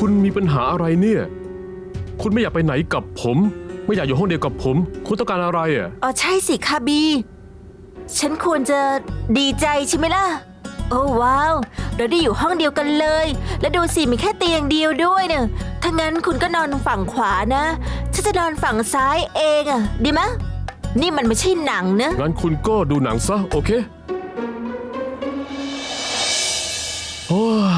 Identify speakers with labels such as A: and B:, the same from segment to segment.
A: คุณมีปัญหาอะไรเนี่ย คุณไม่อยากไปไหนกับผม ไม่อยากอยู่ห้องเดียวกับผม คุณต้องการอะไรอ่ะ
B: อ๋อใช่สิคาบี ฉันควรจะดีใจใช่ไหมล่ะ โอ้ว้าว เราได้อยู่ห้องเดียวกันเลย และดูสิมีแค่เตียงเดียวด้วยเนี่ยถ้างั้นคุณก็นอนฝั่งขวานะฉันจะนอนฝั่งซ้ายเองอะดีไหมนี่มันไม่ใช่หนังนะ
A: งั้นคุณก็ดูหนังซะโอเคโอ้ย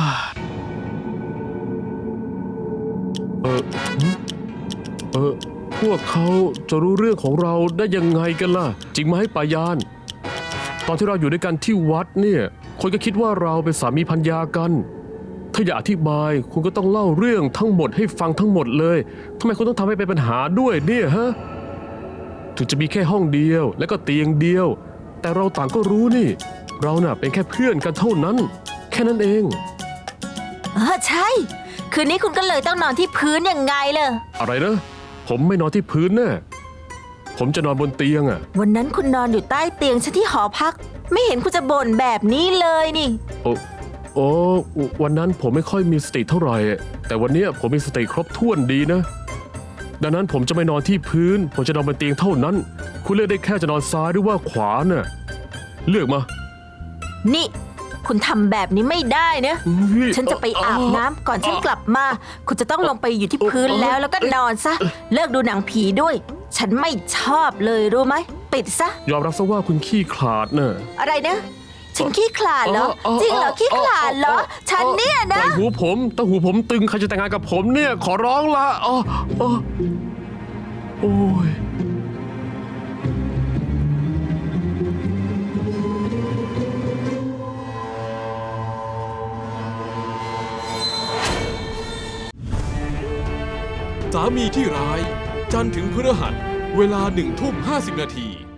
A: พวกเขาจะรู้เรื่องของเราได้ยังไงกันล่ะ จริงไหมปายาน ตอนที่เราอยู่ด้วยกันที่วัดเนี่ยคนก็คิดว่าเราเป็นสามีภรรยากัน ถ้าอยากอธิบายคุณก็ต้องเล่าเรื่องทั้งหมดให้ฟังทั้งหมดเลยทำไมคุณต้องทำให้เป็นปัญหาด้วยเนี่ยฮะ ถึงจะมีแค่ห้องเดียวและก็เตียงเดียว แต่เราต่างก็รู้นี่ เราน่ะเป็นแค่เพื่อนกันเท่านั้น แค่นั้นเอง
B: ใช่ คืนนี้คุณก็เลยต้องนอนที่พื้นยังไงล่ะ
A: อะไรนะ ผมไม่นอนที่พื้นแน่ผมจะนอนบนเตียงอ่ะ
B: วันนั้นคุณนอนอยู่ใต้เตียงฉันที่หอพัก ไม่เห็นคุณจะบ่นแบบนี้เลยนี่
A: โอ้วันนั้นผมไม่ค่อยมีสติเท่าไหร่ แต่วันนี้ผมมีสติครบถ้วนดีนะ ดังนั้นผมจะไม่นอนที่พื้น ผมจะนอนบนเตียงเท่านั้น คุณเลือกได้แค่จะนอนซ้ายหรือว่าขวาน่ะ เลือกมา
B: นี่ คุณทำแบบนี้ไม่ได้นะ ฉันจะไปอาบน้ำก่อนฉันกลับมา คุณจะต้องลงไปอยู่ที่พื้นแล้วก็นอนซะ เลิกดูหนังผีด้วย ฉันไม่ชอบเลยรู้ไหม ปิดซะ
A: ยอมรับซะว่าคุณขี้ขลาดน่ะ
B: อะไรนะ ฉันขี้ขลาดเหรอ จริงเหรอขี้ขลาดเหรอ ฉันเนี่ยนะ
A: ตั้งหูผมตึงใครจะแต่งงานกับผมเนี่ยขอร้องละโอ้ย
C: สามีที่ร้าย จันทร์ถึงพฤหัส เวลา1:50 น.